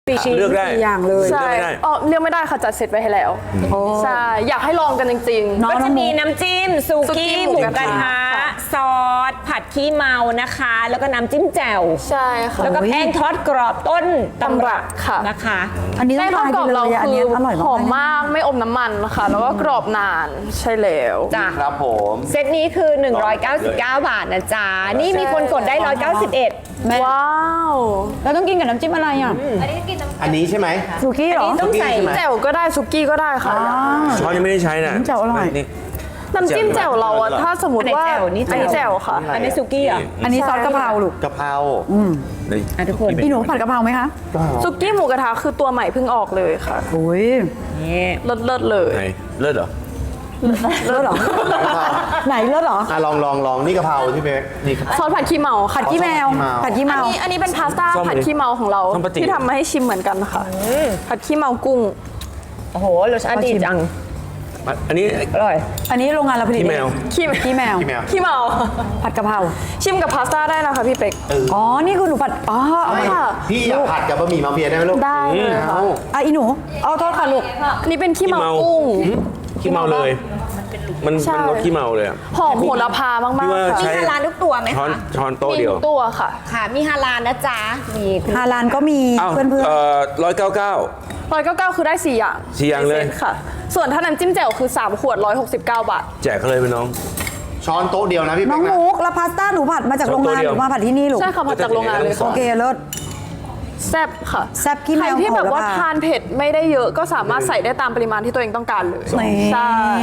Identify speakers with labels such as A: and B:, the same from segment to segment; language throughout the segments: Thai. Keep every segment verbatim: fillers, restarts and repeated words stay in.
A: เลือกได้
B: อย่างเลย
C: ใช่อ๋อเลือกไม่ได้ค่ะจัดเสร็จไว้ให้แล้วใช่อยากให้ลองกันจริงๆ
D: ก็จะมีน้ำจิ้มซูกี้หมูกระทะซอสผัดขี้เมานะคะ แล้วก็น้ำจิ้มแจ่ว
C: ใช่ค่ะ
D: แล้วก็แป้งทอดกรอบต้นตำรับ
C: ค่ะ
D: นะคะ
B: อันนี้ต้
C: แป้
B: อง
C: งทอด
B: ทาน
C: กรอบ
B: ไปเลย
C: เรา
B: อัน
C: คื
B: นี้
C: อ
B: อร่อย
C: หอม
B: มาก
C: มากไม่อมน้ำมันค่ะแล้วก็กรอบนานใช่แล้ว
D: จ้ะ
A: ครับผม
D: เซตนี้คือ หนึ่งร้อยเก้าสิบเก้า บาทนะจ๊ะ นี่มีคนกดได้ หนึ่งร้อยเก้าสิบเอ็ด
C: ว้าว
B: แล้วต้องกินกับน้ำจิ้มอะไรอ่ะ
A: อันนี้ใช่ไหม
B: สุกี้เหรอ
D: ต้องใส่
C: แจ่วก็ได้ซุกี้ก็ได้ค่ะ
A: ช้อนยังไม่ได้ใช้น่ะ
B: น้ำแจ่วอร่อย
A: นี่
C: น้ำจิ้มแจ่วเราอะถ้าสมมติว่า
D: อันไหนแจ่วนี่
C: อันนี้แจ่วค่ะ
D: อันนี้ซูกี้เหรอ
B: อันนี้ซอสกะเพราลูก
A: กะเพรานี่
D: อ่ะทุกคน
B: พี่หนูผัดกะเพราไหมคะ
C: ซุกี้หมูกระทะคือตัวใหม่เพิ่งออกเลยค่ะ
B: โอ้ย
D: นี่
C: เลิศเลิศๆเลย
A: ไหนเลิศเหรอ
B: เลิศเหรอ ไหนเลิศเหรอ
A: อ่ะลองลองลองนี่กะเพราที่เป๊กนี่
C: ซอสผัดขี้เมา
B: ผัดขี้แมว ผัดขี้
C: อั
B: เมาน
C: นี้อันนี้เป็นพาสต้า
A: ซ่อม
C: ผัดขี้เมาของเรา
A: ซ่อมปกติ
C: ที่ทำมาให้ชิมเหมือนกันค่ะผัดขี้เมากุ้ง
D: โอ้โหรสชาติดีจัง
A: อันนี้
D: อร่อย
B: อันนี้โรงงานเราผลิต
A: ขี้แมว
C: ขี้
B: ขี้แมว
A: ขี้แมว
C: ขี้เมา
B: ผัดกะเพรา
C: ชิมกับพาสต้าได้นะคะพี่เป็ก
B: อ๋อ นี่คือหนูผัด อ๋อเอามา
C: ค่ะ
A: พี่อยากผัดกับบะหมี่มาเฟียได้ไหมลูก
C: ได้เลยค่ะ
A: เอา
B: อ่ะอีหนู เอาโทษค่ะลูก
C: อันนี้เป็นขี้เมา
A: ขี้เมา
C: กุ้ง
A: ขี้เมาเลย มัน
C: ใช่
A: มันรสขี้เมาเลยอะ
C: หอมโหระพามาก
A: พี่ว่า
C: ๆค่ะ
D: มี
A: ใช้
D: ฮาลาลทุกตัวไหม
A: ช้อน
D: คะ
A: ช้อนโต๊ะ
C: มี
A: เดียว
C: ทุกตัวค่ะ
D: ค่ะ มีฮาลาลนะจ๊ะ มีคุณ
B: ฮาลานก็มี
A: อ้าว
B: เพื่อนเพื่อน
A: เอ่อร้อยเก้าเก้า
C: ร้อยเก้าเก้าคือได้สี่อย่าง
A: สี่อย่างเลย
C: ในซ็ตค่ะ ส่วนถ้าน้ำจิ้มแจ่วคือสามขวดร้อยหกสิบเก้าบาท
A: แจกเขาเลยไปน้อง ช้อนโต๊ะเดียวนะพี่
B: น้
A: เป๊
B: อก ง
A: นะ
B: มุกแล้วพาสต้าหนูผัดมาจากโรงงาน
A: ตัวเดี
B: ห
A: ยว
B: รือมาผัดที่นี่ลูก
C: ใช่ค่ะมาจากโรงงานเลย
A: สอ
B: โอง เคเลิศ
C: แซ่บค่ะ
B: แซ่บขี้แมว
C: ใครที่แบบว่า
B: โหระพา
C: ทานเผ็ดไม่ได้เยอะก็สามารถใส่ได้ตามปริมาณที่ตัวเองต้องการเลย
B: นี่
C: ใช่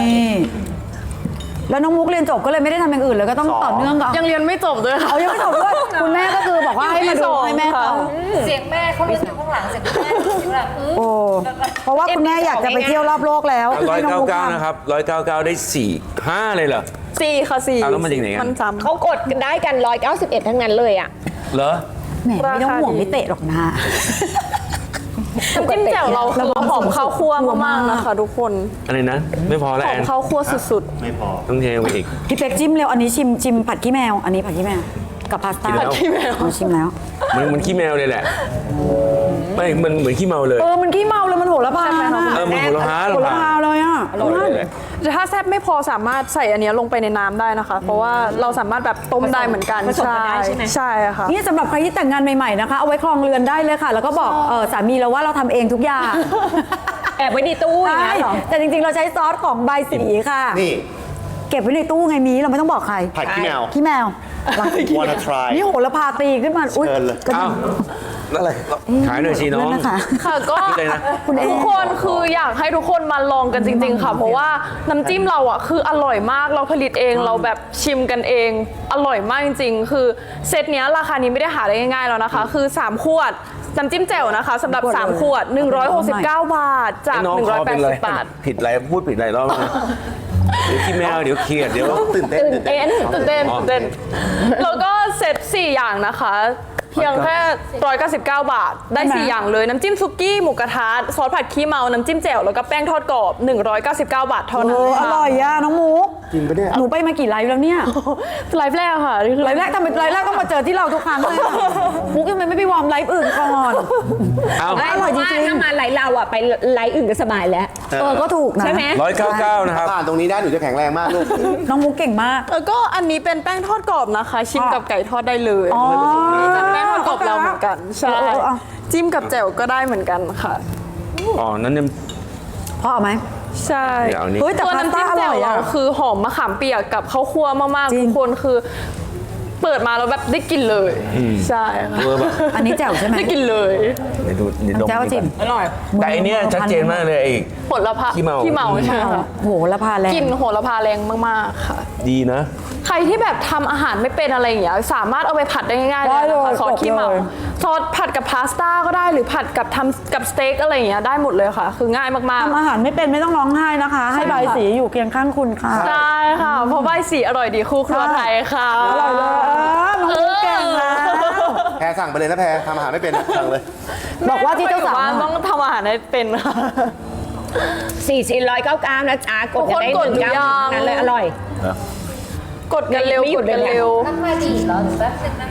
B: แล้วน้องมุกเรียนจบก็เลยไม่ได้ทำอย่างอื่นเลยก็ต้องต่อเนื่องกับ
C: ยังเรียนไม่จบด้วยค่ะ
B: เอายังไม่จบด้วยคุณแม่ก็คือบอกว่าให้มาดูให้แม่เขา
E: เสียงแม่เขารู้สึกข้างหลังเสียงแม่แบบอืม
B: โอ้เพราะว่าคุณแม่อยากจะไปเที่ยวรอบโลกแล้ว
A: ร้อย
B: ให้น้
A: เก้า
B: องมุก
A: เก้า
B: ทำ
A: นะครับร้อยเก้าเก้าได้สี่ห้าเลยเหรอ
C: สี่ค่ะสี่
A: เอาแล้วมันจากไหนกัน
C: มันซ้ำ
D: เขากดได้กัน หนึ่งร้อยเก้าสิบเอ็ด ทั้งนั้นเลยอ่ะ
A: เหรอ
B: แหมไม่ต้องห่วงไม่เตะหรอกนะ
C: น้ำจิ้มแจ่วเราคือหอมข้าวคั่วมากๆนะคะทุกคน
A: อะไรนะ ไม่พอแล้ว
C: หอ
A: แอ
C: ม
A: น
C: ข้าวคั่วสุด
A: ไม่พอ ต้องเทไปอีก
B: พี่เป็กจิ้มเร็วอันนี้ชิมชิมผัดขี้แมว อันนี้ผัดขี้แมวกับพาสต้า
A: กินแล้ว
C: ขี้แมว
B: อ๋อชิมแล้ว
A: มันมันขี้แมวเลยแหละ ไม่ มันเหมือนขี้เมาเลย
B: เออมันขี้เมาเลยมันโหระพา
A: เออมันหัวเราะฮา
B: โหระพาเลยอ่ะ
A: อร่อยเลย
C: ๆแต่ถ้าแซ่บไม่พอสามารถใส่อันเนี้ยลงไปในน้ำได้นะคะ เพราะว่าเราสามารถแบบต้มได้เหมือนกัน
D: ผสมกันได้ใช่ไหม
C: ใช่ค่ะ
B: นี่สำหรับใครที่แต่งงานใหม่ๆนะคะ เอาไว้ครองเรือนได้เลยค่ะ แล้วก็บอกเออสามีเราว่าเราทำเองทุกอย่าง
D: แอบไว้ในตู้อย่าง
B: ใช่
D: นั้นเหรอ
B: แต่จริงๆเราใช้ซอสของใบสีค่ะ
A: นี่
B: เก็บไว้ในตู้ไงมีเราไม่ต้องบอกใคร
A: ผัดขี้แมว
B: ขี้แมว
A: wanna try
B: นี่โหระพาตีขึ้นมาอุ้ย
A: เชิญเลย
B: กระ
A: อ้า
B: ดิ่ง
A: วแล้วอะไร ขายหน่อยสิน้อง
B: นั่นนะคะ
C: ค่ะก็
A: นี่เลยนะ
C: ทุกคนคืออยากให้ทุกคนมาลองกันจริง ๆ ค่ะ เพราะว่าน้ำจิ้มเราอ่ะคืออร่อยมากเราผลิตเองเราแบบชิมกันเอง อร่อยมากจริงๆ คือเซตเนี้ยราคานี้ไม่ได้หาได้ง่ายๆแล้วนะคะ คือสามขวดน้ำจิ้มแจ่วนะคะสำหรับสามขวดหนึ่งร้อยหกสิบเก้าบาทจาก
A: น้อง
C: หนึ่ง
A: ค
C: ร้อย
A: อ
C: แป
A: เป็
C: ด
A: นไร
C: สิบบาท
A: ผิดอะไรพูดผิดอะไรรอบนะเดี๋ยวขี้แมวเดี๋ยวเครียดเดี๋ยวตื่นเต้นตื่นเต้น
C: ตื่นเต้นตื่นเต้นแล้วก็เซตสี่อย่างนะคะ เพียงแค่หนึ่งร้อยเก้าสิบเก้าบาท ได้สี่อย่างเลยน้ำจิ้มซุกี้หมูกระทะซอสผัดขี้เมาน้ำจิ้มแจ่วแล้วก็แป้งทอดกรอบหนึ่งร้อยเก้าสิบเก้าบาทเท่า
B: เอ
C: นั้น
B: ออ
C: ค่ะ
B: ร่อยอ่ะน้องมุก
A: จริงปะเนี่ย
B: หนูไปมากี่ไลฟ์แล้วเนี่ย
C: ไลฟ์แรกค่ะนี่คือ
B: ไลฟ์แรกทำไมไลฟ์แรกต้องมาเจอที่เราทุกครั้งเลยอะมุกทำไมไม่ไปวอร์มไลฟ์อื่นก่อน
A: เอา
D: ไม่
B: อ
D: เพ
B: ร่อย
D: ราะว่า
B: จริงๆ
D: ถ้ามาไลฟ์เราอ่ะ ไปไลฟ์อื่นก็สบายแล้ว
B: เออก็ถูกนะ
D: ใช่ไหม
A: ร้อยเก้าเก้านะครับผ่านตรงนี้ได้หนูจะแข็งแรงมากลูก
B: น้องมุกเก่งมาก
C: แล้วก็อันนี้เป็นแป้งทอดกรอบนะคะ ชิมกับไก่ทอดได้เลย
B: อ๋อ
C: จากแป้งทอดกรอบเราเหมือนกันใช่
B: เออเอา
C: จิ้มกับแจ่วก็ได้เหมือนกันค่ะ
A: อ๋อ นั้นเนี่ย
B: พ่อเอาไหม
C: ใช่
A: เดี๋ยวเอานี้
B: เฮ้ยแต่
C: ตัว
B: พาส
C: น้ำ
B: ต้า
C: จิ้ม
B: อ
C: แจ่
B: ร่
C: ว
B: อย
C: เรา
B: อ่ะ
C: คือหอมมะขามเปียกกับข้าวคั่วมากๆ
B: จริง
C: ทุกคนคือ เปิดมาแล้วแบบได้กลิ่นเลยใช่ค่ะ
A: เวอร์แบบ
B: อันนี้แจ่วใช่ไหม
C: ได้กลิ่นเลย
A: เดี๋ยวดูเดี๋ยวดม
B: แจ่วจิม
D: อร่อย
A: แต่อันเนี้ยชัดเจนมากเลยไอ้
C: โหระพา
A: ขี้เมา
C: ขี้เมาใช่ไหมคะ
B: โหระพาแรง
C: กลิ่นโหระพาแรงมากๆค่ะ
A: ดีนะ
C: ใครที่แบบทำอาหารไม่เป็นอะไรอย่างเงี้ยสามารถเอาไปผัดได้ง่ายๆเลยนะคะซอสขี้เมาซอสผัดกับพาสต้าก็ได้หรือผัดกับทำกับสเต็กอะไรอย่างเงี้ยได้หมดเลยค่ะ คือง่ายมาก
B: ทำอาหารไม่เป็นไม่ต้องร้องไห้นะคะ ให้ใบสีอยู่เคียงข้างคุณค่ะ
C: ๆใช่ค่ะ เพราะใบสีอร่อยดีคู่ครัวไทยค่ะ
B: อร่อยเลยเออน้องมุกเก่งนะ
A: แพรสั่งไปเลยนะแพรทำอาหารไม่เป็นนะสั่งเลย
B: บอกว่าที่เจ้าสาว
C: แม่ไม่ค่อยอยู่บ้นต้องทำอาหารให้เป็นค่ะ
D: สี่ชิ้นร้อยเก้าเก้านะจ๊ะ กดกันได้
C: ทุกคน
D: หนึ่ง
C: กดหรือ
D: เก้า
C: ยัง
D: นั้นเลยอร่อย
C: กดกันเร็ว
D: ไม่หยุ
C: ก
D: ด
C: ด
D: เลย
C: กัน
D: เนี่ย
C: เร็ว
E: ราคาดีเหรอหรือแป๊บนึงนะคะ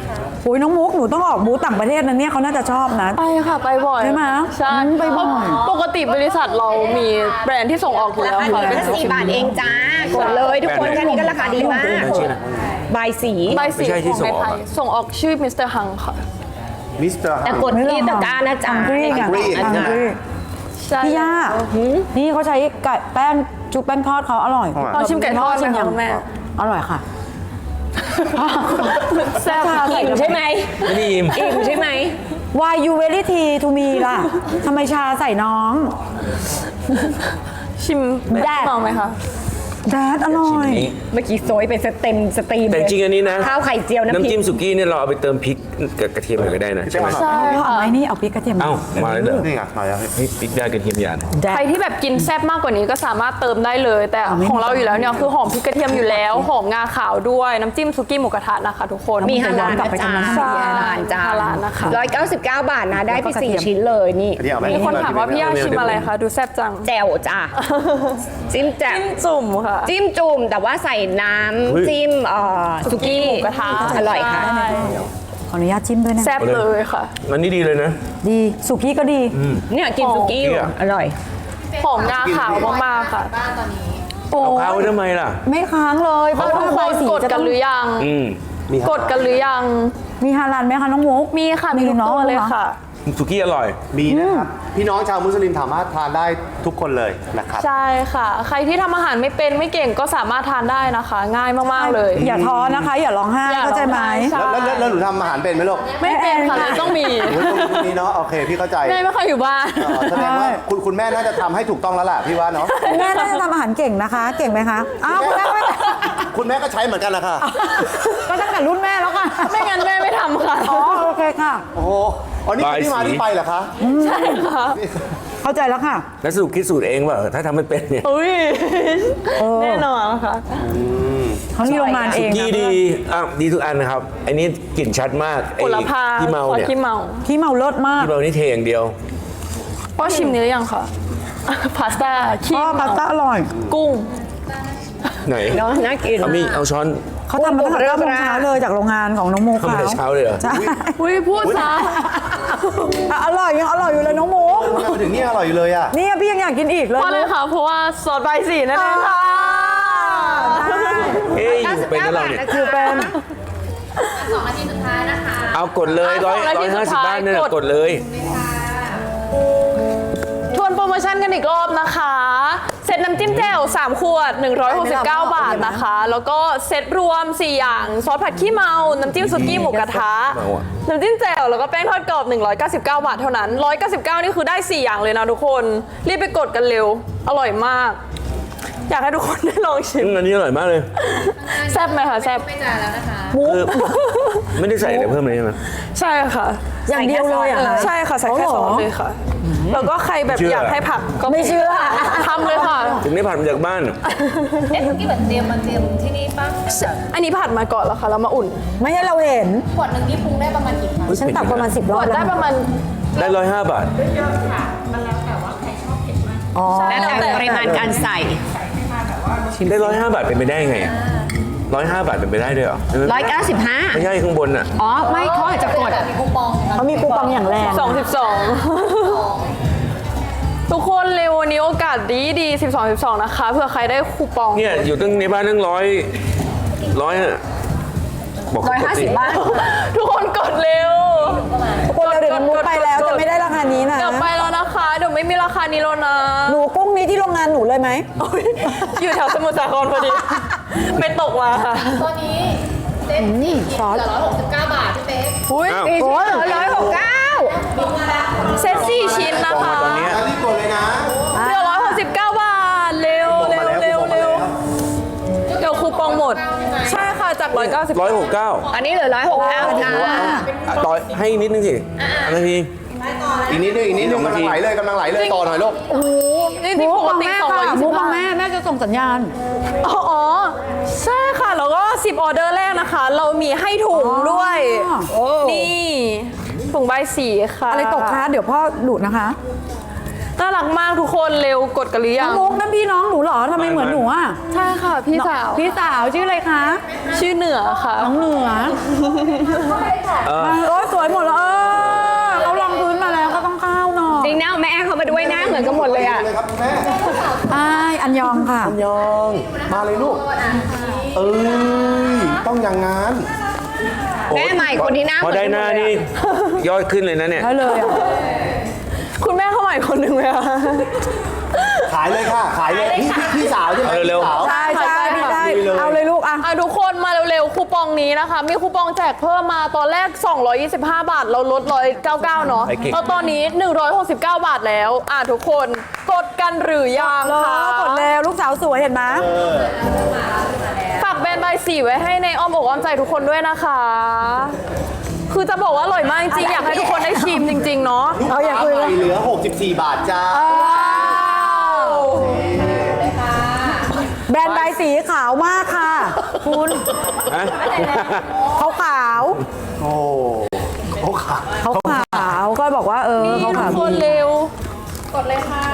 B: โอ้ยน้องมุกหนูต้องออกบูธต่างประเทศนะเนี่ยเขาน่าจะชอบนะ
C: ไปค่ะไปบ่อย
B: ใช่ไหม
C: ใช่
B: อืมไปบ่อย
C: ปกติบริษัทเรามีแบรนด์ที่ส่งออกอยู่แล้วค่ะ
D: แค่สี่บาทเองจ้า กดเลยทุกคนแค่นี้ก็ราคาดีมาก
A: ชื่ออะไร
D: บายสี
C: ใบสี
A: ไม่ใช่ที่
C: ของในไทย
A: ส่งออกอะ
C: ส่งออกชื่อมิสเตอร์ฮังค่ะ
F: มิสเตอร์
D: แต่กดที่ตะกร้านะจ๊ะ
B: ฮังกรีไง
F: Hungry
B: ฮังกรี
C: ใช่
B: พี่ย่านี่เขาใช้ไก่แป้งจุบแป้งทอดเขาอร่อย
C: ลองชิมไก่ทอดชิมยังแม่
B: อร่อยค่ะ
C: แซ่บ
D: อิ่มใช่ไหม
A: ไม่ได้ยิม
D: อิ่มใช่ไหม
B: Why you very tea to me ล่ะทำไมชาใส่น้อง
C: ชิม
B: แดด
C: มองไหมคะ
B: แดดอร่อย
A: นี่
D: เมื่อกี้โซยเป็นสเต็มสตรีม
A: แต่จริงๆอันนี้นะ
D: ข้าวไข่เจียวน้ำพ
A: น้ำ
D: ริ
A: จิ้
D: ก
A: มสุกี้เนี่ยเราเอาไปเติมพริกกับกระเทียมหน่อยก็ได้นะใช่ไหม
C: ใช่
B: เอา
C: ค่ะ
B: ไหมนี่เอาพริกกระเทียม
A: เอ้ามาแล้วเหรอ
F: นี่ไงมาแล้ว
A: เฮ้ยพริกได้กระเทียมหยาด
B: แด
C: ใคร
B: ด
C: ที่แบบกินแซ่บมากกว่านี้ก็สามารถเติมได้เลย แต่
B: อ่ะไม่
C: ของเราอยู่แล้วเนี่ยคือหอมพริกกระเทียมอยู่แล้ว หอมงาขาวด้วยน้ำจิ้มซุกี้หมูกระทะนะคะทุกคน
D: มีฮาลาล
B: กลับ
D: นะ
B: ไป
D: จ๊ะ
B: ทำนั้นทำ
C: ใช่
B: นี้
D: ฮาลาลจ้า
C: ฮาลาลนะคะ
D: ร้อยเก้าสิบเก้าบาทนะ ได้ไป
B: แล้วก็กระ
D: สี่
B: เทียม
D: ชิ้นเลยนี่
F: อันนี้เอาไหม
C: มีคนถามว่าพี่ย่าชิมอะไรคะดูแซ่บจัง
D: แจ่วจ้าจิ้มแจ่ว
C: จิ้มจุ่มค่ะ
D: จิ้มจุ่มแต่ว่าใส่น้ำจิ้มเอ่อสุกี้
C: หมูกระทะ
D: อร่อยค่ะ
C: ใช่
B: ขออนุญาตจิ้มด้วยนะ
C: แซ่บเลยค่ะ
A: มันนี่ดีเลยนะ
B: ดีสุกี้ก็ดี
D: เนี่ยกินสุกี้อยู่
A: อ๋อ
D: อร่อย
C: หอมงาขาวมากๆค่ะ
E: บ้านตอนนี้
B: โอ้
A: เอาข้าวไว้ทำไมล่ะ
B: ไม่ค้างเลย
C: ทุ
B: บ้าน
C: ก
B: ใบ
C: คน
B: สี
C: กด
B: จะ
C: กั
B: ต้
C: น
B: อง
C: หรือยัง
A: อืม
C: กดกันหรือยัง
B: มีฮาลาลไหมคะน้องมุก
C: มีค่ะมี
B: มี
C: ทุก
B: เนอะ
C: ตัวเลยค่ะ
A: สุกี้อร่อย
F: มีนะครับ พี่น้องชาวมุสลิมสามารถทานได้ทุกคนเลยนะครับ
C: ใช่ค่ะ ใครที่ทำอาหารไม่เป็นไม่เก่งก็สามารถทานได้นะคะ ง่ายมากๆเลย
B: อย่าท้อนะคะ อย่าร้องไห้
C: อย่า
B: เข้าใจไหม
C: ร้องไห้ใช่
F: แล้วแล้วแล้วหนูทำอาหารเป็นไหมลูก
C: ไม่เป็นค่ะเลยต้องมี
F: โอ้ยตรงนี้เนาะโอเคพี่เข้าใจ
C: แม่ไม่ค่อยอยู่บ้าน
F: เอ่อแสดงว่าคุณคุณแม่น่าจะทำให้ถูกต้องแล้วล่ะพี่ว่าเนาะ
B: แม่น่าจะทำอาหารเก่งนะคะ เก่งไหมคะอ้าวคุณแม่ไม่
F: คุณแม่ก็ใช้เหมือนกันแหละค่ะ
B: ก็ตั้งแต่รุ่นแม่แล้วค่ะ
C: ไม่งั้นแม่ไม่ทำค่ะ
B: อ๋อโอเคค่ะ
F: โอ้โหอ๋อนี่คือที่มาที่ไปเหรอคะ
C: ใช่ค่ะ
B: เข้าใจแล้วค่ะ
A: แล้วสรุปคิดสูตรเองเปล่าถ้าทำไม่เป็นเนี่ย
C: อุ้ยแน่นอนค่ะ
B: เขามีโรงงานเอง
A: กี้ดีอ่ะดีทุกอันนะครับไอ้นี่กลิ่นชัดมากไอ้
C: ผลพา
A: ที่เมาเนี่ย
C: ขี้เมา
B: ที่เมาเลิศมาก
A: ที่เมานี่เทอย่างเดียว
C: พ่อชิมนี้หรือยังคะพาสต้าขี้
B: อ๋อพาสต้าอร่อย
C: กุ้ง
A: ไหน
D: เนาะน่ากิน
A: เอามีเอาช้อน
B: เขาทำมาตั้งแต่เก้าโมงเช้าเลยจากโรงงานของน้องโม
A: ทำแต่เช้าเลยเหรอ
B: ใช่
C: อุ้ยพูดซะ
B: อ่ะอร่อยยังอร่อยอยู่เลยน้องโม
F: ทำไมมาถึงนี่อร่อยอยู่เลยอ่ะ
B: เนี่ยพี่ยังอยากกินอีกเลย
C: เพราะอะไรคะเพราะว่าซอสใบสีนั่นเองค่ะ
A: เอ้ยอยู่เป็นแล้วเราเนี่ย
B: คือเป็น
E: สองนาทีสุดท้ายนะคะ
A: เอากดเลยร้อยร้อยห้าสิบบ้านเนี่ยกดเลย
C: ทวนโปรโมชั่นกันอีกรอบนะคะ เซตน้ำจิ้มแจ่วสามขวด หนึ่งร้อยหกสิบเก้า บาทนะคะ แล้วก็เซตรวม สี่ อย่าง ซอสผัดขี้เมา น้ำจิ้มสุกี้หมูกระทะ
A: เมาอะ
C: น้ำจิ้มแจ่วแล้วก็แป้งทอดกรอบ หนึ่งร้อยเก้าสิบเก้า บาทเท่านั้น หนึ่งร้อยเก้าสิบเก้า นี่คือได้ สี่ อย่างเลยนะทุกคน รีบไปกดกันเร็ว อร่อยมาก อยากให้ทุกคนได้ลองชิม
A: อืมอันนี้อร่อยมากเลย
C: แซ่บไหมคะแซ่บ
E: ไม่จ่ายแล้วนะคะ
A: คือไม่ได้ใส่อะไรเพิ่มเลยใช่ไหม
C: ใช่ค่ะ
B: อย่างเดียวเลยอ่ะ
C: ใช่ค่ะใส่แค่ซอสเลยค่ะ แล้วก็ใครแบบ
A: เชื่อ
C: อ
A: อ
C: ยากให้ผักก็
B: ไม่เชื่อ
C: ทำเลยค่ะ
A: ถึงได้ผ่านมาจากบ้าน
E: เอ๊ะที่แบบเตรียมมาเตรียมที่นี่ป่ะ
C: อันนี้ผัดมาก่อนแล้วค่ะแล้วมาอุ่น
B: ไม่ให้เราเห็น
E: ขวดหนึ่งนี่ปรุงได้ประมาณกี่ครั้ง
B: ฉันตักประมาณสิบร
C: ก
B: อบ
C: ด
B: แล้ว
C: ได้ประมาณ
A: ได้ร้อยห้าบาท
B: อ๋อ
D: แล้วแต่ปริมาณการใส่
A: ได้ร้อยห้าบาทเป็นไปได้ไงร้อยห้าบาทเป็นไปได้ด้วยเหรอใช่ไหม
D: ร้อยเก้าสิบห้า
A: ไม่ใช่ข้างบนอ่ะ
D: อ๋อ ไม่เขาอาจจะกด
E: มีคูปองนะคะ
B: เขามีคูปองอย่างแรง
C: สองสิบสอง ทุกคนเร็ววันนี้โอกาสดีดีสิบสอง สิบสองนะคะเผื่อใครได้คูปอง
A: เนี่ยอยู่ตั้งในบ้านตั้งร้อยร้อยอะบอก
D: ร้อย
A: เขาก
D: ห้า
A: ด
D: สิ
A: สิ
D: บบ้าน
C: ทุกคนกดเร็ว
B: คนเราเดี๋ยวน้องมุกไปแล้วจะไม่ได้ราคานี้นะ
C: เดี๋ยวไปแล้วนะคะเดี๋ยวไม่มีราคานี้แล้วนะ
B: หนูกุ้งนี้ที่โรงงานหนูเลยไหม
C: โอ๊ยอยู่แถวสมุทรสาครพอดี ไปตกมาค่ะ
E: ตัวนี้เซ็ตนี่ซอสร้อยหกสิบเก้าบาทพี่เป๊ก
C: อุ้ย
A: อ้าว
B: โอ้ย
D: ร้อยหกเก้า
C: เซตสี่ชิ้นนะคะ
A: ตอนเนี้ย
F: รีบกดเลยนะ
C: เหลือร้อยหกสิบเก้าบาทเร็วเร็วเร็วเร็วเดี๋ยวคูปองหมด ใช่ค่ะจากร้อยเก้าสิบ
A: ร้อยหกเก้า
D: อันนี้เหลือร้อยหกเก้าจ้า
A: ต่อให้นิดนึงสิอันนาที
F: อีกนิดนึงอีกนิดนึงกำลังไหลเลยกำลังไหลเลยต่อหน่อยลูก
C: นี่ที่ปกติสองร้อยยี่สิ
B: มุ
C: บ
B: กมอง
C: บาท
B: แม่แม่จะส่งสัญญาณ
C: อ๋ออ๋อใช่ค่ะ แล้วก็สิบออเดอร์แรกนะคะ เรามีให้ถุงด้วย นี่ถุงใบสีค่ะ
B: อะไรตกคะเดี๋ยวพ่อดูดนะคะ
C: น่ารักมากทุกคนเร็วกดกันหรือยั
B: น้อง งมุกนั่นพี่น้องหนูเหรอทำไมเหมือนหนูอ่ะ
C: ใช่ค่ะพี่สาว
B: พี่สาวชื่ออะไรคะ
C: ชื่อเหนือค่ะ
B: น้องเหนือ
A: เออ
B: มาโอ้ยสวยหมดแล้วเออเขาลองพื้นมาแล้วก็ต้องเข้าหน่อย
D: จริงนะเอาแม่แอร์เขามาด้วยนะเหมือนกันหมดเลยอ่ะ
F: เลยครับคุณแม่
B: อ้ายอันยองค่ะ
F: ยองมาเลยลูก เอ้ย ต้องอย่างงั้น
D: แม่ใหม่คนที่หน้า
A: พอได้หน้านี่ยอดขึ้นเลยนะเนี่ย
B: ได้เลยอ่ะ
C: คุณแม่เข้าใหม่คนหนึ่งไหมคะ
F: ขายเลยค่ะ ขายเลยพี่พี่พี่สาวใช่ไหม
A: เอาเร็ว
F: พี่สาว
B: ใช่ใช่พี่ได้
F: ดีเลย
B: เอาเลยลูกอ่ะ
C: อ่ะทุกคนมาเร็วๆคูปองนี้นะคะ มีคูปองแจกเพิ่มมาตอนแรก สองร้อยยี่สิบห้า บาท เราลดหนึ่งร้อยเก้าสิบเก้าเนาะ
A: ไอ้เก่ง
C: แล้วตอนนี้ หนึ่งร้อยหกสิบเก้า บาทแล้ว อ่ะทุกคนกดกันหรือยัง
B: รอ
C: คะ
B: กดแล้วลูกสาวสวยเห็นไหม
C: ฝากแบรนด์ใบสีไว้ให้ในอ้อมอกอ้อมใจทุกคนด้วยนะคะ คือจะบอกว่าอร่อยมากจริงๆอยากให้ทุกคนได้ชิมจริง ๆ เนาะ
B: เอาอย่าคุย
F: ไป
B: เลย
F: เหลือ หกสิบสี่ บาทจ้า
B: แบรนด์ใบสีขาวมากค่ะ คุณ
A: ฮะ
B: เขาขาว
F: โอ้เขาขาย
B: เขาขาวก็บอกว่าเออ
C: นี่
B: เขา
C: ทุ
B: ขาว
C: กคนเร็ว